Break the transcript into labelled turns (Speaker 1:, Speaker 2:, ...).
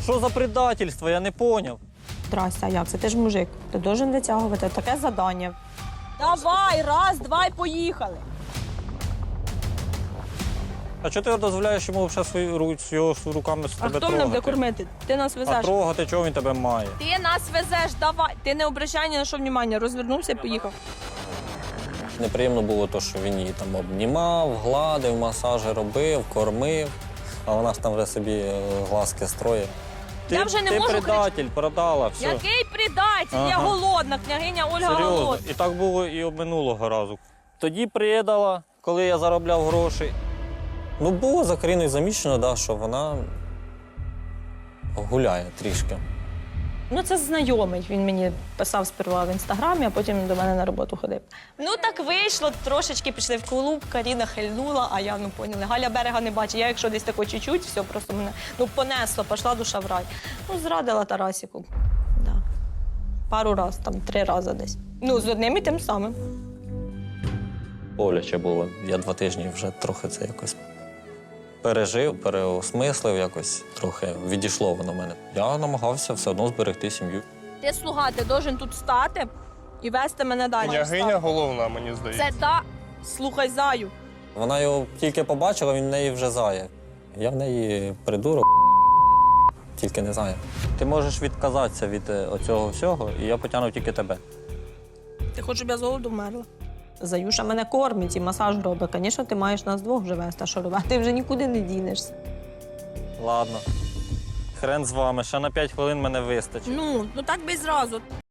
Speaker 1: Що за предательство, я не поняв.
Speaker 2: Здрасте, а як це? Ти ж мужик. Ти должен витягувати таке завдання. Давай, раз, два і поїхали.
Speaker 1: А чого ти дозволяєш йому ще його руками з
Speaker 2: А
Speaker 1: тебе
Speaker 2: хто мене буде
Speaker 1: трогати?
Speaker 2: кормити? Ти нас
Speaker 1: А
Speaker 2: везеш.
Speaker 1: трогати, чого він тебе має?
Speaker 2: Ти нас везеш, давай. Ти не обращай ні на що внимання. Розвернувся і поїхав.
Speaker 1: Неприємно було те, що він її там обнімав, гладив, масажі робив, кормив, а вона ж там вже собі глазки строїть.
Speaker 2: Я вже не можу
Speaker 1: Ти предатель, продала, все.
Speaker 2: Який предатель? Я
Speaker 1: Ага.
Speaker 2: голодна, княгиня Ольга
Speaker 1: Серйозно.
Speaker 2: голодна.
Speaker 1: І так було і минулого разу. Тоді предала, коли я заробляв гроші. Ну, було за Каріною замічено, да, що вона гуляє трішки.
Speaker 2: Ну, це знайомий. Він мені писав сперва в інстаграмі, а потім до мене на роботу ходив. Ну так вийшло, трошечки пішли в клуб, Каріна хильнула, а я, поняли, Галя берега не бачить. Я, якщо десь тако чуть-чуть, все, просто мене, понесло, пішла душа в рай. Зрадила Тарасіку. Да. Пару раз, 3 рази десь. З одним і тим самим.
Speaker 1: Боляче було. Я 2 тижні вже трохи це якось пережив, переосмислив якось, трохи відійшло воно в мене. Я намагався все одно зберегти сім'ю.
Speaker 2: Ти, слуга, ти должен тут стати і вести мене далі.
Speaker 3: Княгиня головна, мені здається.
Speaker 2: Це слухай заю.
Speaker 1: Вона його тільки побачила, він в неї вже зає. Я в неї придурок, тільки не зає. Ти можеш відказатися від оцього всього, і я потягну тільки тебе.
Speaker 2: Ти хочеш, щоб я з голоду вмерла? Заюша мене кормить і масаж робить. Звісно, ти маєш нас двох вже вести, а що робити? Ти вже нікуди не дінешся.
Speaker 1: Ладно. Хрен з вами, ще на 5 хвилин мене вистачить.
Speaker 2: Ну так би й зразу.